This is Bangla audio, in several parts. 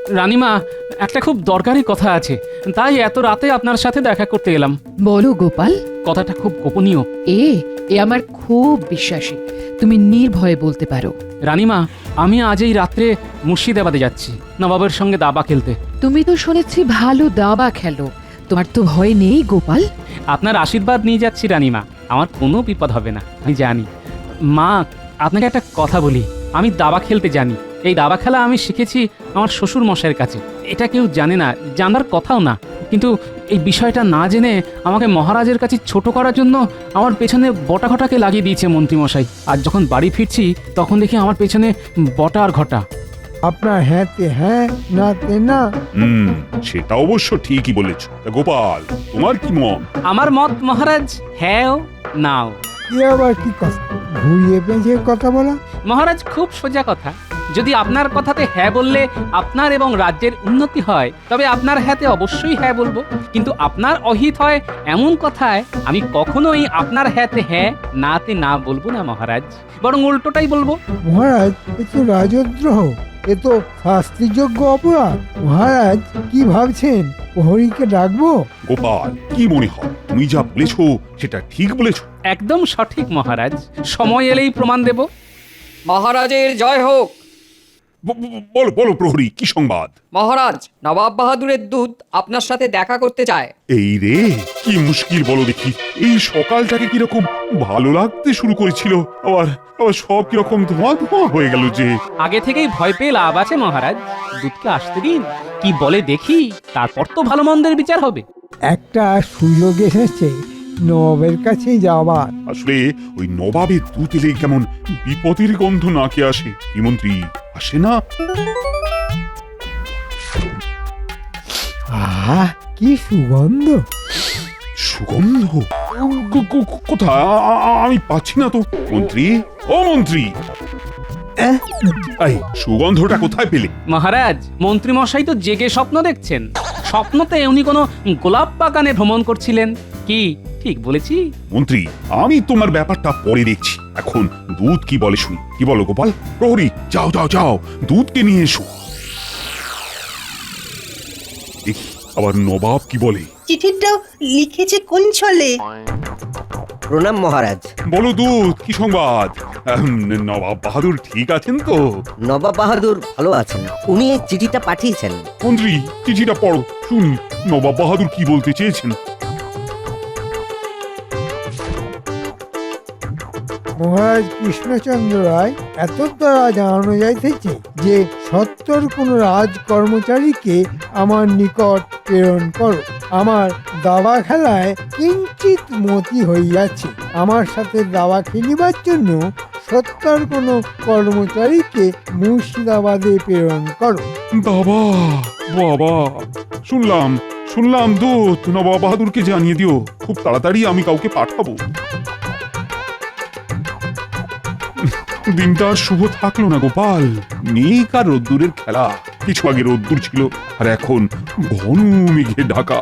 রানীমা, একটা খুব দরকারি কথা আছে, তাই এত রাতে আপনার সাথে দেখা করতে এলাম। বলো গোপাল। কথাটা খুব গোপনীয়। এ আমার খুব বিশ্বাসী, তুমি নির্ভয়ে বলতে পারো। রানীমা, আমি আজ এই রাত্রে মুর্শিদাবাদে যাচ্ছি নবাবের সঙ্গে দাবা খেলতে। তুমি তো শুনেছি ভালো দাবা খেলো, তোমার তো ভয় নেই গোপাল? আপনার আশীর্বাদ নিয়ে যাচ্ছি রানীমা, আমার কোনো বিপদ হবে না, আমি জানি। মা, আপনাকে একটা কথা বলি, আমি দাবা খেলতে জানি। এই দাবা খেলা আমি শিখেছি আমার শ্বশুর মশাইয়ের কাছে। এটা কেউ জানে না, জানার কথাও না। কিন্তু এই বিষয়টা না জেনে আমাকে মহারাজের কাছে ছোট করার জন্য আমার পেছনে বটা ঘটাকে লাগিয়ে দিয়েছে মন্ত্রীমশাই। আর যখন বাড়ি ফিরছি তখন দেখি আমার পেছনে বটা আর ঘটা। আপনার হ্যাঁতে হ্যাঁ, নাতে না। সেটা অবশ্য ঠিকই বলেছ। তা গোপাল, তোমার কি মত? আমার মত মহারাজ, হ্যাঁ নাও। এ আবার কি কথা, ঘুরিয়ে পেঁচিয়ে কথা বলা? মহারাজ, খুব সোজা কথা। যদি আপনার কথাতে হ্যাঁ বললে আপনার এবং রাজ্যের উন্নতি হয়, তবে আপনার হ্যাঁতে অবশ্যই হ্যাঁ বলবো। কিন্তু আপনার অহিত হয় এমন কথায় আমি কখনোই আপনার হ্যাঁতে হ্যাঁ, নাতে না বলবো না মহারাজ, বরং উল্টোটাই বলবো। মহারাজ, এ তো রাজদ্রোহ, এ তো শাস্তিযোগ্য অপরাধ। মহারাজ কি ভাবছেন, প্রহরীকে ডাকবো? গোপাল, কি মনে হয় তুমি যা বলেছো সেটা ঠিক বলেছো? একদম সঠিক মহারাজ, সময় এলেই প্রমাণ দেব। মহারাজের জয় হোক। বলো বলো প্রহরী, কি সংবাদ? মহারাজ, নবাব বাহাদুরের দূত আপনার সাথে দেখা করতে চায়। এই রে, কি মুশকিল বলো দেখি। এই সকালটাকে কিরকম ভালো লাগতে শুরু করেছিল, আবার আবার সব কিরকম ধোঁয়া ধোঁয়া হয়ে গেল যে। আগে থেকেই ভয় পেয়ে লাভ আছে মহারাজ, দুধকে আসতে দিন, কি বলে দেখি, তারপর তো ভালো মন্দের বিচার হবে। একটা সুযোগ এসেছে নবাবের কাছে যাবার। আসলে ওই নবাবের দুধ এলে কেমন বিপদের গন্ধ নাকে আসে। কি মন্ত্রী আসে না? আহা, কি সুগন্ধ! সুগন্ধ? কোথায়? আমি পাচ্ছি না তো। মন্ত্রী, ও মন্ত্রী, এই সুগন্ধটা কোথায় পেলে? মহারাজ, মন্ত্রীমশাই তো জেগে স্বপ্ন দেখছেন। স্বপ্নতে উনি কোনো গোলাপ বাগানে ভ্রমণ করছিলেন। কি ঠিক বলেছি? মন্ত্রী, আমি তোমার ব্যাপারটা পরে দেখছি, এখন দুধ কি বলে শুনি। কি বলো গোপাল? প্রহরী, যাও যাও যাও, দুধকে নিয়ে এসো। দেখি আবার নবাব কি বলে। চিঠিটা লিখেছে কোন ছলে? প্রণাম মহারাজ। বলো দুধ, কি সংবাদ? নবাব বাহাদুর ঠিক আছেন তো? নবাব বাহাদুর ভালো আছেন, উনি এই চিঠিটা পাঠিয়েছেন। মন্ত্রী, চিঠিটা পড়ো, শুনি নবাব বাহাদুর কি বলতে চেয়েছেন। মহারাজ কৃষ্ণচন্দ্র রায় এত দ্বারা জানানো যাইতেছে যে সত্তর কোন রাজ কর্মচারীকে আমার নিকট প্রেরণ করো। আমার দাবা খেলায় কিঞ্চিত মতি হইয়াছে, আমার সাথে দাবা খেলিবার জন্য সত্তর কোন কর্মচারীকে মুর্শিদাবাদে প্রেরণ করো। বাবা বাবা, শুনলাম শুনলাম দুধ, নবাব বাহাদুরকে জানিয়ে দিও খুব তাড়াতাড়ি আমি কাউকে পাঠাবো। দিনটা আর শুভ থাকলো না গোপাল। মেঘ আর রোদ্দুরের খেলা। কিছু আগে রোদ্দুর ছিল আর এখন ঘন মেঘে ঢাকা।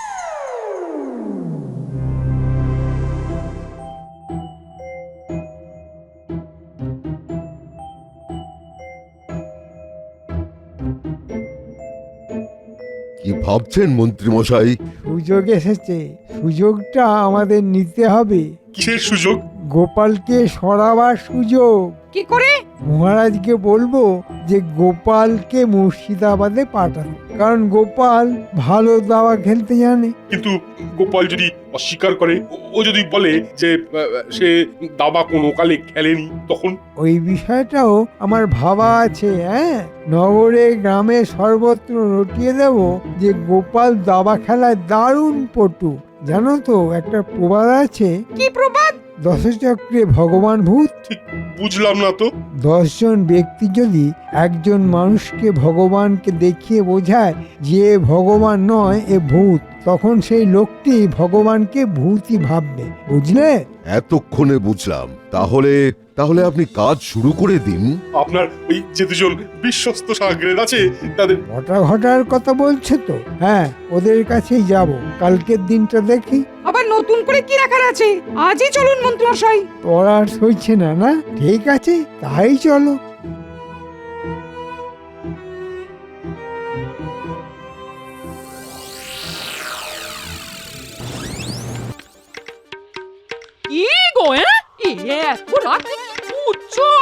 কি ভাবছেন মন্ত্রী মশাই? সুযোগ এসেছে, সুযোগটা আমাদের নিতে হবে। কিসের সুযোগ? গোপালকে সরাবার সুযোগ। কি করে? মহারাজকে বলবো যে গোপালকে মুর্শিদাবাদে পাঠানো, কারণ গোপাল ভালো দাবা খেলতে জানে। কিন্তু গোপাল যদি অস্বীকার করে, ও যদি বলে যে সে দাবা কোনো কালে খেলেনি, তখন? ওই বিষয়টাও আমার ভাবা আছে। নগরে গ্রামে সর্বত্র রটিয়ে দেব যে গোপাল দাবা খেলায় দারুণ পটু। জানো তো একটা প্রবাদ আছে। কি প্রবাদ? দশচক্রে ভগবান ভূত। ঠিক বুঝলাম না তো। 10 জন ব্যক্তি যদি একজন মানুষকে ভগবানকে দেখিয়ে বোঝায় যে ভগবান নয়, এ ভূত, তখন সেই লোকটি ভগবানকে ভূতই ভাববে। বুঝলে? এতক্ষণে বুঝলাম। তাহলে তাহলে আপনি কাজ শুরু করে দিন। আপনার ওই যে দুজন বিশ্বস্ত সাগরেদ আছে তাদের ঘটা ঘটার কথা বলছে তো? হ্যাঁ, ওদের কাছেই যাব। কালকের দিনটা দেখি। আবার নতুন করে কি রাখার আছে? আজই চলুন মন্ত্রীমশাই। তোর আর সইছে না? না, ঠিক আছে, তাই চলো।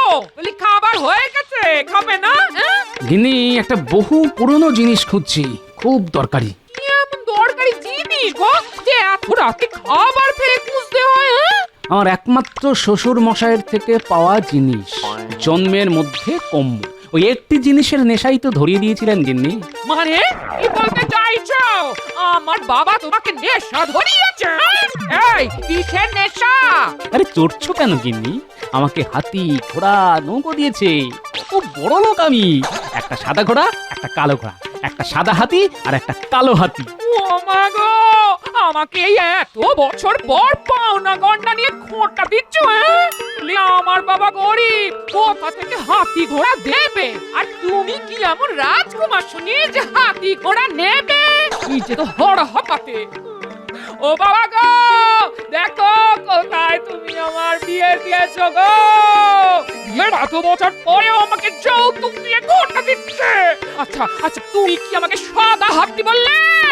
বলি খাবার হয়ে গেছে, খাবে না? গিন্নি একটা বহু পুরনো জিনিস খুঁজছি, খুব দরকারি। কি এমন দরকারি জিনিস গো যে এত রাতে খাবার ফেলে খুঁজতে হয়? আমার একমাত্র শ্বশুর মশাইয়ের থেকে পাওয়া জিনিস, জন্মের মধ্যে কম। ওই একটি জিনিসের নেশাই তো ধরিয়ে দিয়েছিলেন গিন্নি। মানে কি বলতে চাইছো? আমার বাবা তোমাকে নেশা ধরিয়েছে? এই কিসের নেশা? আরে চড়ছো কেন গিন্নি? আমাকে হাতি, ঘোড়া, নৌকো দিয়েছে। খুব বড় লোক আমি। একটা সাদা ঘোড়া, একটা কালো ঘোড়া, একটা সাদা হাতি আর একটা কালো হাতি। ও মা গো, আমাকে এই এত বছর পর পাওনা গন্ডা নিয়ে খোঁটা দিচ্ছ? আমার বাবা গরিব, কোথা থেকে হাতি ঘোড়া দেবে? আর তুমি কি এমন রাজকুমার শুনি যে হাতি ঘোড়া নেবে? নিজে তো হড় হপাতে। ও বাবা গো, দেখো কোথায় তুমি আমার বিয়ে দিয়েছো গো। বিয়ের এত বছর পরেও আমাকে যৌতুক দিয়ে ঘোড়া দিচ্ছে। আচ্ছা আচ্ছা, তুমি কি আমাকে সাদা হাতি বললে?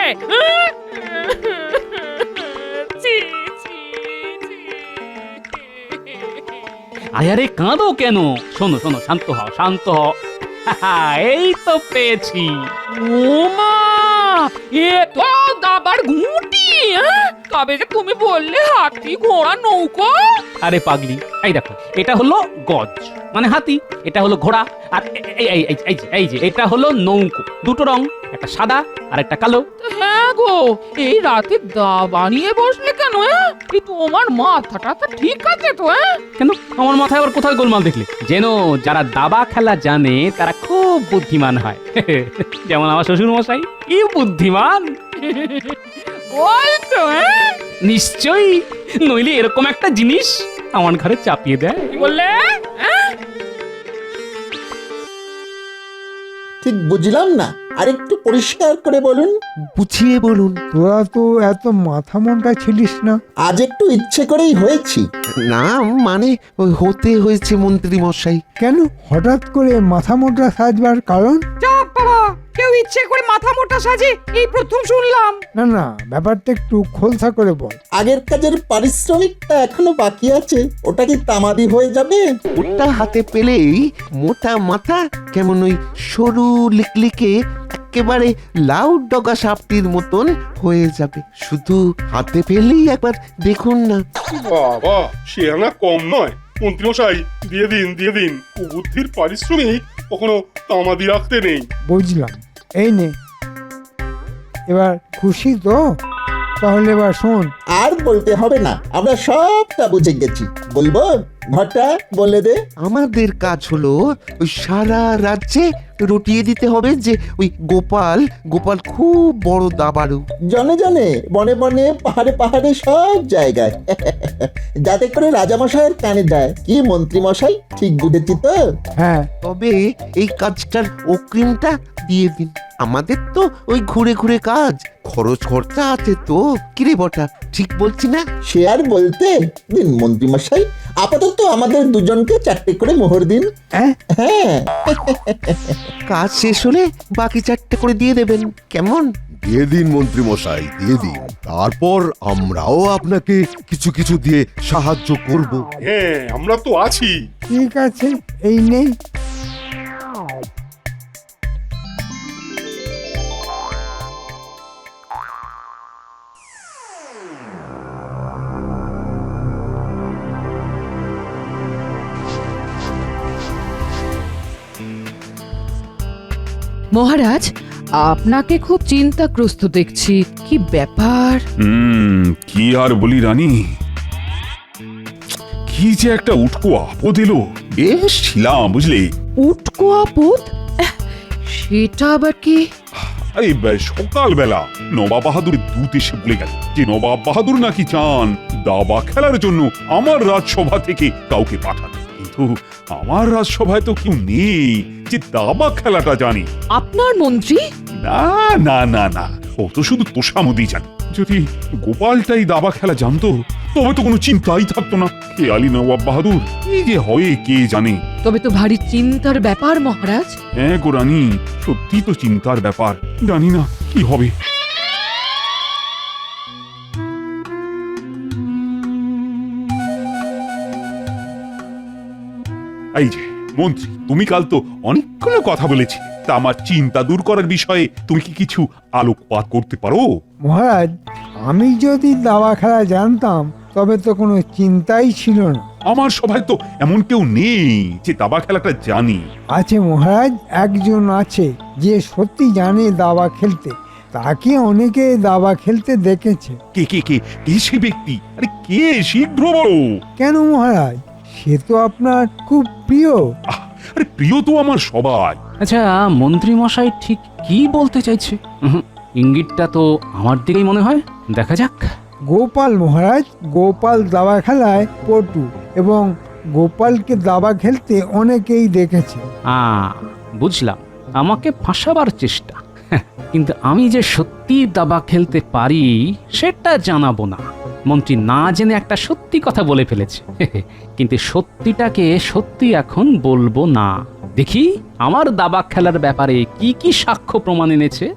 ছি, ছি, ছি। আরে কাঁদো কেন? শোনো শোনো, শান্ত হও, শান্ত হও। এই তো পেয়েছি। ও মা, এ তো দাবার ঘুঁটি। কবে যে তুমি বললে হাতি, ঘোড়া, নৌকো? আরে পাগলি, এই দেখো, এটা হলো গজ মানে হাতি, এটা হলো ঘোড়া, আর এই যে এটা হলো নৌকো। দুটো রং, একটা সাদা আর একটা কালো। হ্যাঁ গো, এই রাতে দাবা নিয়ে বসলে কেন? এই তোমার মাথাটা তো ঠিক আছে তো? কেন আমার মাথায় আবার কোথায় গোলমাল দেখলে? যেন যারা দাবা খেলা জানে তারা খুব বুদ্ধিমান হয়। যেমন আমার শ্বশুর মশাই, কি বুদ্ধিমান। বলছো? নিশ্চয়ই, নইলে এরকম একটা জিনিস আমার ঘরে চাপিয়ে দেয়। কি বললে? ঠিক বুঝলাম না, আরেকটু পরিষ্কার করে বলুন। বুঝিয়ে বলুন। তোরা তো এত মাথা মোটা ছিলিস না। আজ একটু ইচ্ছে করেই হয়েছি। না মানে ওই হতে হয়েছে মন্ত্রী মশাই। কেন হঠাৎ করে মাথা মোটা সাজবার কারণ? চাপ বাবা, কেউ ইচ্ছে করে মাথা মোটা সাজে এই প্রথম শুনলাম। না না, ব্যাপারটা একটু খোলসা করে বল। আগের কাজের পারিশ্রমিকটা এখনো বাকি আছে, ওটা কি তামাদি হয়ে যাবে? ওটা হাতে পেলেই মোটা মাথা কেমন ওই সরু লিকলিকে একেবারে লাউ ডগা সাপটির মতন হয়ে যাবে। শুধু হাতে পেলেই একবার দেখুন না। বাবা, সে আনা কম নয়। মন্ত্রীমশাই, দিয়ে দিন দিয়ে দিন। কুবুদ্ধির পারিশ্রমিক কখনো তামাদি রাখতে নেই। বুঝলাম, এই নে। এবার খুশি তো? তাহলে এবার শোন। আর বলতে হবে না, আমরা সবটা বুঝে গেছি। বলবো? ঘটা বলে দে। আমাদের কাজ হলো ওই সারা রাজ্যে রটিয়ে দিতে হবে যে ওই গোপাল গোপাল খুব বড় দাবাড়ু। জনে জনে, বনে বনে, পাহাড়ে পাহাড়ে, সব জায়গায়, যাতে করে রাজামশাইয়ের কানে যায়। কি মন্ত্রী মশাই, ঠিক বুঝেছি তো? হ্যাঁ, তবে এই কাজটার অগ্রিমটা দিয়ে দিন। আমাদের তো ওই ঘুরে ঘুরে কাজ, খরচ খরচা আছে তো। কিরে বটা, ঠিক বলছি না? সে আর বলতে। দিন মন্ত্রী মশাই, আপাতত আমাদের দুজনকে 4টে করে মোহর দিন। হ্যাঁ, কাজ শেষ হলে বাকি 4টে করে দিয়ে দেবেন, কেমন? দিয়ে দিন মন্ত্রী মশাই, দিয়ে দিন। তারপর আমরাও আপনাকে কিছু কিছু দিয়ে সাহায্য করব। হ্যাঁ, আমরা তো আছি। ঠিক আছে, এই নে। মহারাজ, আপনাকে খুব চিন্তাগ্রস্ত দেখছি। কি ব্যাপার? কি আর বলি রানী, কি যে একটা উটকো আপদ এলো। বেশ ছিলাম বুঝলে। উটকো আপদ? সেটা আবার কি? আরে সকালবেলা নবাব বাহাদুর দূত এসে বলে গেল যে নবাব বাহাদুর নাকি চান দাবা খেলার জন্য আমার রাজসভা থেকে কাউকে পাঠাতে। কিন্তু আমার রাজসভায় তো কেউ নেই যে দাবা খেলাটা জানে। আপনার মন্ত্রী? না না না না, ও তো শুধু তোষামদি জানে। যদি গোপালটাই দাবা খেলা জানতো তবে তো কোনো চিন্তাই থাকতো না। খেয়ালি নবাব বাহাদুর কি যে হয় কে জানে। তবে তো ভারী চিন্তার ব্যাপার মহারাজ। হ্যাঁ গো রানী, সত্যি তো চিন্তার ব্যাপার। জানি না কি হবে। এই যে মন্ত্রী, তুমি কাল তো অনেকগুলো কথা বলেছি, তা আমার চিন্তা দূর করার বিষয়ে তুমি কি কিছু আলোকপাত করতে পারো? মহারাজ, আমি যদি দাবা খেলা জানতাম তবে তো কোনো চিন্তাই ছিল না। আমার সভায় তো এমন কেউ নেই যে দাবা খেলাটা জানি। আছে মহারাজ, একজন আছে যে সত্যি জানে দাবা খেলতে। তাকে অনেকে দাবা খেলতে দেখেছে। কে কে কে কে সে ব্যক্তি? আরে কে, শীঘ্র বলো। কেন মহারাজ, সে তো আপনার খুব প্রিয়। আরে প্রিয় তো আমার সবাই। আচ্ছা, মন্ত্রী মশাই ঠিক কি বলতে চাইছে? ইঙ্গিতটা তো আমার দিকেই মনে হয়। দেখা যাক। গোপাল মহারাজ, গোপাল দাবা খেলায় পটু এবং গোপালকে দাবা খেলতে অনেকেই দেখেছে। বুঝলাম, আমাকে ফাঁসাবার চেষ্টা। কিন্তু আমি যে সত্যি দাবা খেলতে পারি সেটা জানাবো না। মন্ত্রী না জেনে একটা সত্যি কথা বলে ফেলেছে, কিন্তু সত্যিটাকে সত্যি এখন বলবো না। দেখি আমার দাবা খেলার ব্যাপারে কি কি সাক্ষ্য প্রমাণ এনেছে।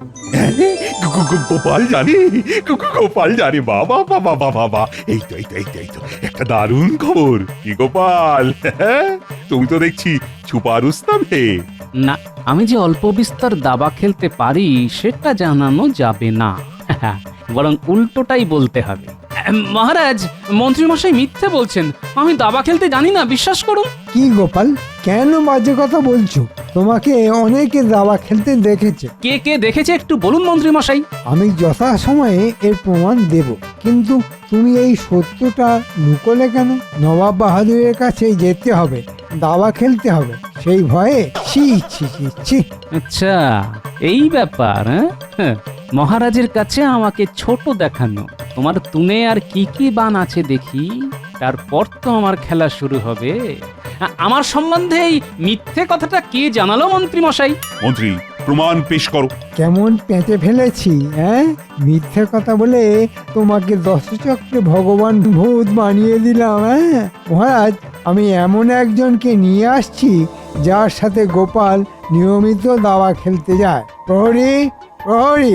গোপাল জানে, গোপাল জানে, বাবা বাবা বাবা বাবা, এই তো এই তো এই তো এই তো একটা দারুণ খবর। কি গোপাল, তুমি তো দেখছি ছুপা রুস্তাম হে। না, আমি যে অল্প বিস্তর দাবা খেলতে পারি সেটা জানানো যাবে না, বরং উল্টোটাই বলতে হবে। মহারাজ, মন্ত্রী মশাই মিথ্যে বলছেন। আমি দাবা খেলতে জানি না, বিশ্বাস করুন। কি গোপাল, কেন বাজে কথা বলছো? তোমাকে অনেকে দাবা খেলতে দেখেছে। কে কে দেখেছে একটু বলুন মন্ত্রী মশাই। আমি যথাসময়ে এর প্রমাণ দেব, কিন্তু তুমি এই সত্যটা লুকোলে কেন? নবাব বাহাদুরের কাছে যেতে হবে, দাবা খেলতে হবে, সেই ভয়ে। ছি ছি ছি ছি। আচ্ছা, এই ব্যাপার। হ্যাঁ, মহারাজের কাছে আমাকে ছোট দেখানো। তোমার তুনে আর কি কি বান আছে দেখি, তারপর তো আমার খেলা শুরু হবে। আমার সম্বন্ধে এই মিথ্যে কথাটা কে জানালো মন্ত্রী মশাই? মন্ত্রী, প্রমাণ পেশ করো। কেমন পেঁচে ফেলেছি, হ্যাঁ? মিথ্যে কথা বলে তোমাকে দশচক্রে ভগবান ভূত বানিয়ে দিলাম। হ্যাঁ মহারাজ, আমি এমন একজনকে নিয়ে আসছি যার সাথে গোপাল নিয়মিত দাবা খেলতে যায়। প্রহরী, প্রহরী।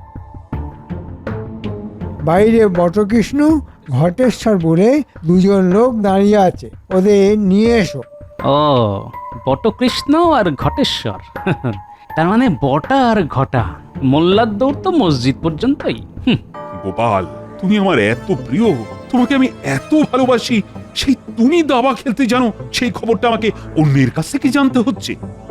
বাইরে বটকৃষ্ণ, ঘটেশ্বর বলে দুজন লোক দাঁড়িয়ে আছে, ওদের নিয়ে এসো। ও, বটকৃষ্ণ আর ঘটেশ্বর। তার মানে বটা আর ঘটা। মোল্লার দৌড় তো মসজিদ পর্যন্তই। গোপাল, তুমি আমার এত প্রিয়, তোমাকে আমি এত ভালোবাসি, সেই তুমি দাবা খেলতে জানো, সেই খবরটা আমাকে অন্যের কাছ থেকে জানতে হচ্ছে।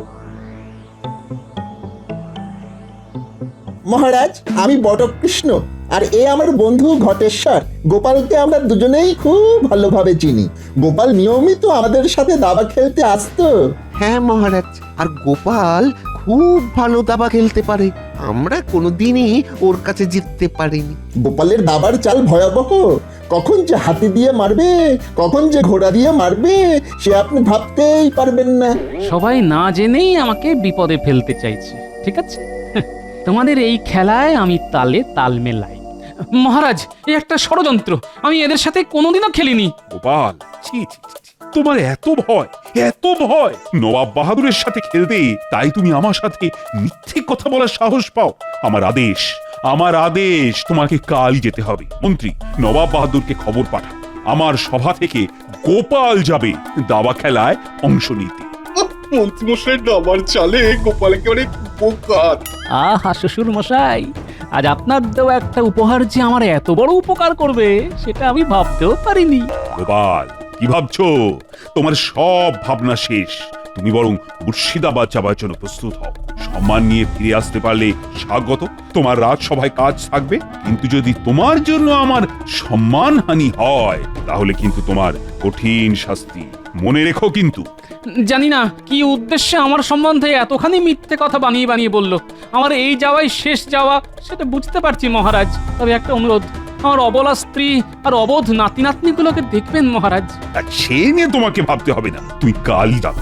মহারাজ, আমি বটকৃষ্ণ, আর এ আমার বন্ধু ঘটেশ্বর। গোপালকে আমরা দুজনেই খুব ভালোভাবে চিনি। গোপাল নিয়মিত আমাদের সাথে দাবা খেলতে আসতো। হ্যাঁ মহারাজ, আর গোপাল খুব ভালো দাবা খেলতে পারে। আমরা কোনোদিনই ওর কাছে জিততে পারিনি। গোপালের দাবার চাল ভয়াবহ। কখন যে হাতি দিয়ে মারবে, কখন যে ঘোড়া দিয়ে মারবে, সে আপনি ভাবতেই পারবেন না। সবাই না জেনেই আমাকে বিপদে ফেলতে চাইছে। ঠিক আছে, তোমাদের এই খেলায় আমি তালে তাল মেলাই। মহারাজ, এই একটা ষড়যন্ত্র। আমি এদের সাথে কোনোদিনও খেলিনি। গোপাল, ছি ছি ছি ছি, তোমার এত ভয়, এত ভয় নবাব বাহাদুরের সাথে খেলতে, তাই তুমি আমার সাথে মিথ্যে কথা বলার সাহস পাও? আমার আদেশ, আমার আদেশ, তোমাকে কালই যেতে হবে। মন্ত্রী, নবাব বাহাদুরকে খবর পাঠাও, আমার সভা থেকে গোপাল যাবে দাবা খেলায় অংশ নিতে। মন্ত্রীমশাই দাবার চালে গোপাল একেবারে উপকার। আহা শ্বশুর মশাই, আজ আপনার দেওয়া একটা উপহার যে আমার এত বড় উপকার করবে সেটা আমি ভাবতেও পারিনি। গোপাল, কি ভাবছো? তোমার সব ভাবনা শেষ। তুমি বরং মুর্শিদাবাদ যাবার জন্য প্রস্তুত হও। সম্মান নিয়ে ফিরে আসতে পারলে স্বাগত, তোমার রাজসভায় কাজ থাকবে। কিন্তু যদি তোমার জন্য আমার সম্মানহানি হয়, তাহলে কিন্তু তোমার কঠিন শাস্তি। মনে রেখো কিন্তু। জানি না কি উদ্দেশ্যে আমার সম্বন্ধে এতখানি মিথ্যে কথা বানিয়ে বানিয়ে বলল। আমার এই যাওয়াই শেষ যাওয়া সেটা বুঝতে পারছি মহারাজ। তবে একটা অনুরোধ, আমার অবলা স্ত্রী আর অবোধ নাতি নাতনিগুলোকে দেখবেন মহারাজ। আর সে নিয়ে তোমাকে ভাবতে হবে না, তুমি কালই যাবে।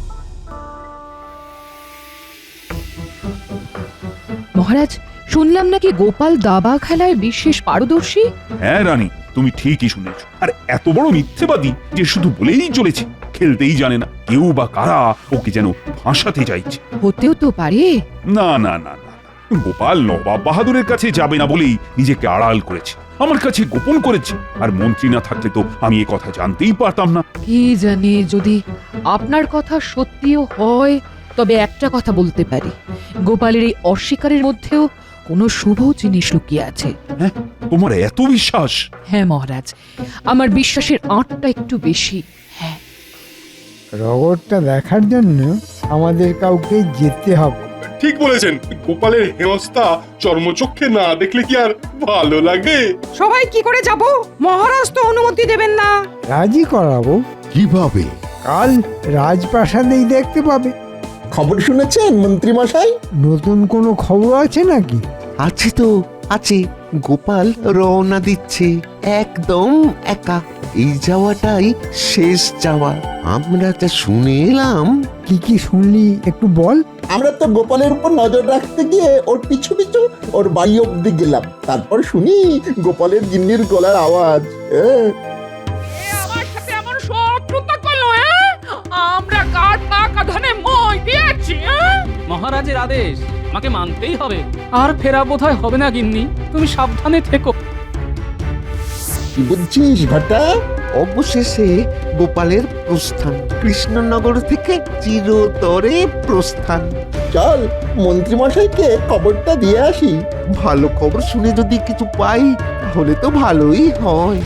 মহারাজ, শুনলাম নাকি গোপাল দাবা খেলায় বিশেষ পারদর্শী। হ্যাঁ রানী, তুমি ঠিকই শুনেছ। আর এত বড় মিথ্যেবাদী যে শুধু বলেই চলেছে, খেলতেই জানে না। কেউ বা কারা ওকে যেন ফাঁসাতে চাইছে। হতেও তো পারে। না না না না, গোপাল নবাব বাহাদুরের কাছে যাবে না বলেই নিজেকে আড়াল করেছে, আমার কাছে গোপন করেছে। আর মন্ত্রী না থাকলে তো আমি এ কথা জানতেই পারতাম না। কি জানি, যদি আপনার কথা সত্যিও হয় তবে একটা কথা বলতে পারি, গোপালের এই অস্বীকারের মধ্যেও কোনো শুভ জিনিস লুকিয়ে আছে। হ্যাঁ, তোমার এত বিশ্বাস? হ্যাঁ মহারাজ, আমার বিশ্বাসের আঁটটা একটু বেশি। হ্যাঁ, রগরটা দেখার জন্য আমাদের কাউকে যেতে হবে। ঠিক বলেছেন, গোপালের হেনস্থা চর্মচক্ষে না দেখলে কি আর ভালো লাগে? সবাই কি করে যাব? মহারাজ তো অনুমতি দেবেন না। রাজি করাবো। কিভাবে? কাল রাজপ্রাসাদেই দেখতে পাবে। খবর শুনেছেন মন্ত্রী মশাই? নতুন কোনো খবর আছে নাকি? আছে তো আছে, গোপাল রওনা দিচ্ছে একদম একা। এই যাওয়াটাই শেষ যাওয়া। আমরা যা শুনে এলাম। কি কি শুনলি একটু বল। আমরা তো গোপালের উপর নজর রাখতে গিয়ে ওর পিছু পিছু ওর বাড়ি অব্দি গেলাম। তারপর শুনি গোপালের গিন্নির গলার আওয়াজ। আমার সাথে এমন শত্রুতা করলো, হ্যাঁ? আমরা কার পাকা ধানে মই দিয়েছি, হ্যাঁ? মহারাজের আদেশ আমাকে মানতেই হবে। আর ফেরা বোধহয় হবে না গিন্নি, তুমি সাবধানে থেকো। কি বুঝছিস ঘটা? অবশেষে গোপালের প্রস্থান, কৃষ্ণনগর থেকে চিরতরে প্রস্থান। চল মন্ত্রী মশাইকে খবরটা দিয়ে আসি। ভালো খবর শুনে যদি কিছু পাই তাহলে তো ভালোই হয়।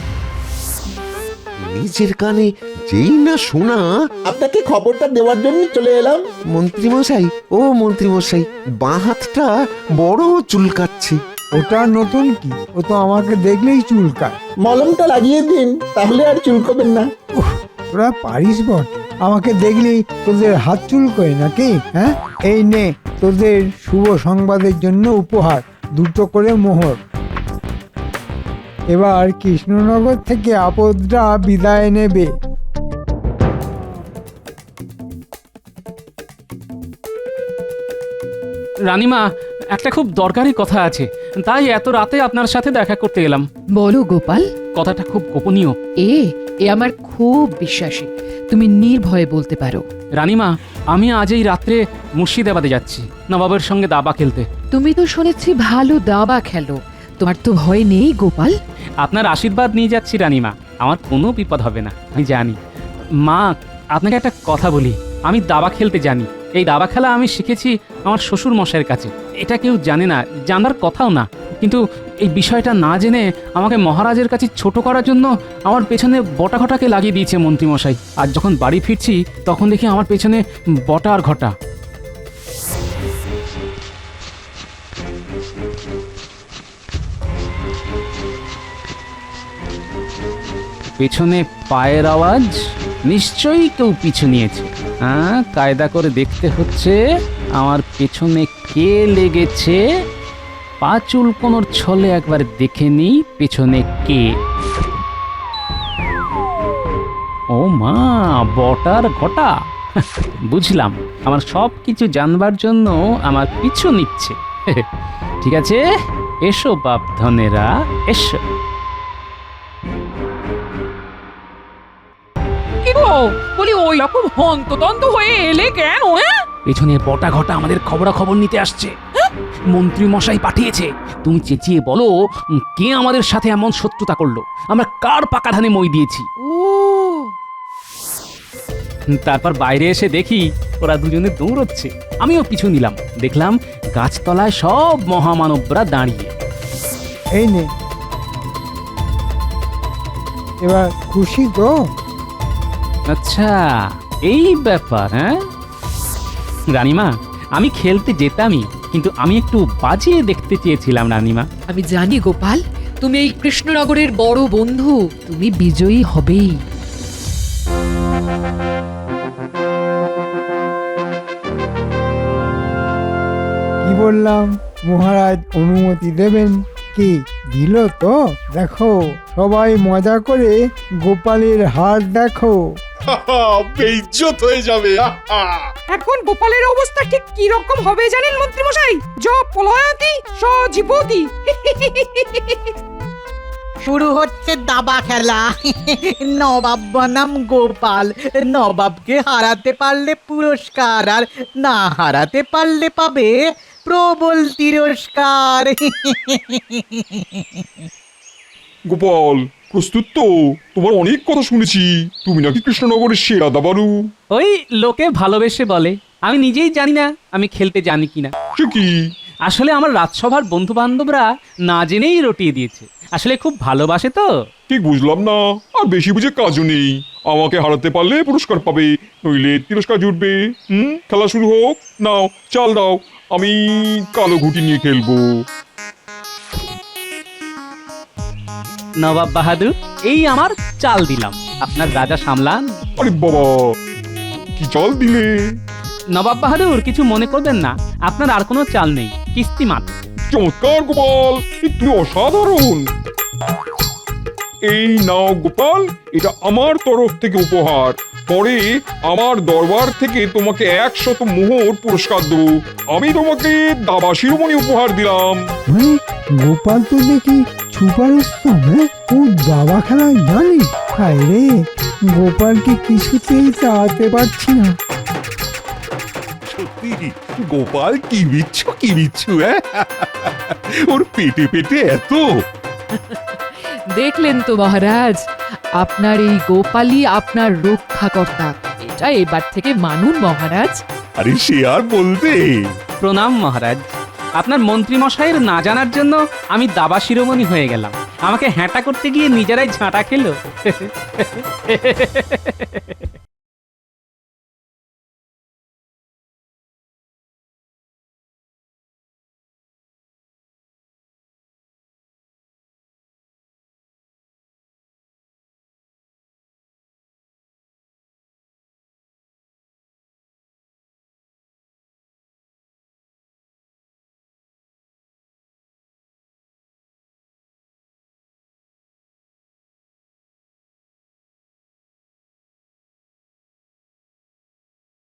নিজের কানে যেই না শোনা। আপনাকে খবরটা দেওয়ার জন্য চলে এলাম। মন্ত্রীমশাই, ও মন্ত্রীমশাই, বাঁ হাতটা বড় চুলকাচ্ছে। ওটা নতুন কি? ও তো আমাকে দেখলেই চুলকায়। মলমটা লাগিয়ে দিন, তাহলে আর চুলকবেন না। তোরা পারিস বট, আমাকে দেখলেই তোদের হাত চুলকোয় নাকি? হ্যাঁ, এই নে তোদের শুভ সংবাদের জন্য উপহার, 2টো করে মোহর। এবার কৃষ্ণনগর থেকে আপদরা বিদায় নেবে। রানীমা, একটা খুব দরকারি কথা আছে, তাই এত রাতে আপনার সাথে দেখা করতে এলাম। বলো গোপাল। কথাটা খুব গোপনীয়। এ আমার খুব বিশ্বাসী, তুমি নির্ভয়ে বলতে পারো। রানীমা, আমি আজ এই রাত্রে মুর্শিদাবাদে যাচ্ছি নবাবের সঙ্গে দাবা খেলতে। তুমি তো শুনেছি ভালো দাবা খেলো, তোমার তো ভয় নেই গোপাল? আপনার আশীর্বাদ নিয়ে যাচ্ছি রানীমা, আমার কোনো বিপদ হবে না, আমি জানি। মা, আপনাকে একটা কথা বলি, আমি দাবা খেলতে জানি। এই দাবা খেলা আমি শিখেছি আমার শ্বশুর মশাইয়ের কাছে। এটা কেউ জানে না, জানার কথাও না। কিন্তু এই বিষয়টা না জেনে আমাকে মহারাজের কাছে ছোট করার জন্য আমার পেছনে বটা ঘটাকে লাগিয়ে দিয়েছে মন্ত্রীমশাই। আর যখন বাড়ি ফিরছি তখন দেখি আমার পেছনে বটা আর ঘটা। পেছনে পায়ের আওয়াজ, নিশ্চয়ই কেউ পিছু নিয়েছে। হ্যাঁ, কায়দা করে দেখতে হচ্ছে আমার পেছনে কে লেগেছে। পা চুলকোনোর ছলে একবার দেখে নিই পেছনে কে। ও মা, বটার ঘটা। বুঝলাম, আমার সব কিছু জানবার জন্য আমার পিছু নিচ্ছে। ঠিক আছে, এসো বাপ ধনেরা, এসো। কি গো, বলি ওই রকম হন্তদন্ত হয়ে এলে কেন, হ্যাঁ? পেছনে বটা ঘটা আমাদের খবরাখবর নিতে আসছে। মন্ত্রী মশাই পাঠিয়েছে। তুমি চেঁচিয়ে বলো কে আমাদের সাথে এমন শত্রুতা করলো, আমরা কার পাকা ধানে মই দিয়েছি। ও, তারপর বাইরে এসে দেখি ওরা দুজনে দৌড়চ্ছে, আমিও পিছু নিলাম। দেখলাম গাছতলায় সব মহামানবরা দাঁড়িয়ে। এই নে, এবার খুশি তো? আচ্ছা, এই ব্যাপার। হ্যাঁ রানীমা, আমি খেলতে যেতামই, কিন্তু আমি একটু বাজিয়ে দেখতে চেয়েছিলাম রানীমা। আমি জানি গোপাল, তুমি এই কৃষ্ণনগরের বড় বন্ধু, তুমি বিজয়ী হবেই। কি বললাম, মহারাজ অনুমতি দেবেন। কি দিল তো? দেখো, সবাই মজা করে গোপালের হার দেখো। বেইজ্জত হয়ে যাবে। এখন গোপালের অবস্থা ঠিক কি রকম হবে জানেন মন্ত্রী মশাই? পলায়তি সজীবতি। শুরু হচ্ছে দাবা খেলা। নবাব বনাম গোপাল। নবাবকে হারাতে পারলে পুরস্কার, আর না হারাতে পারলে পাবে প্রবল তিরস্কার। গোপাল প্রস্তুত তো? তোমার অনেক কথা শুনেছি, তুমি নাকি কৃষ্ণনগরের সেরা দাবারু। ওই লোকে ভালোবেসে বলে, আমি নিজেই জানি না আমি খেলতে জানি কিনা। সে কি? আসলে আমার রাজসভার বন্ধু বান্ধবরা না জেনেই রটিয়ে দিয়েছে। আসলে খুব ভালোবাসে তো। ঠিক বুঝলাম না, আর বেশি বুঝে কাজও নেই। আমাকে হারাতে পারলে পুরস্কার পাবে, নইলে তিরস্কার জুটবে। খেলা শুরু হোক। নাও চাল দাও, আমি কালো ঘুটি নিয়ে খেলবো। নবাব বাহাদুর, এই আমার চাল দিলাম, আপনার রাজা সামলান। আরে বাবা, কি চাল দিলে? নবাব বাহাদুর কিছু মনে করবেন না, আপনার আর কোনো চাল নেই, কিস্তি মাত্র। চমৎকার গোপাল, তুমি অসাধারণ। এই নাও গোপাল, এটা আমার তরফ থেকে উপহার। পরে আমার দরবার থেকে তোমাকে 100 মোহর পুরস্কার দেবো। আমি তোমাকে দাবা শিরোমণি উপহার দিলাম। মানে গোপাল তো দেখি ছুপারুস্তম, হ্যাঁ? ও দাবা খেলায় জানি। হায় রে, গোপালকে কিছুতেই চালাতে পারছি না। সত্যি গোপাল কি বিচ্ছু ওর পেটে পেটে এত। দেখলেন তো মহারাজ, আপনার এই গোপালই আপনার রক্ষাকর্তা। এটা এবার থেকে মানুন মহারাজ। আরে সে আর বলতে। প্রণাম মহারাজ। আপনার মন্ত্রী মশাইয়ের না জানার জন্য আমি দাবা শিরোমণি হয়ে গেলাম। আমাকে হ্যাঁটা করতে গিয়ে নিজেরাই ঝাঁটা খেলো।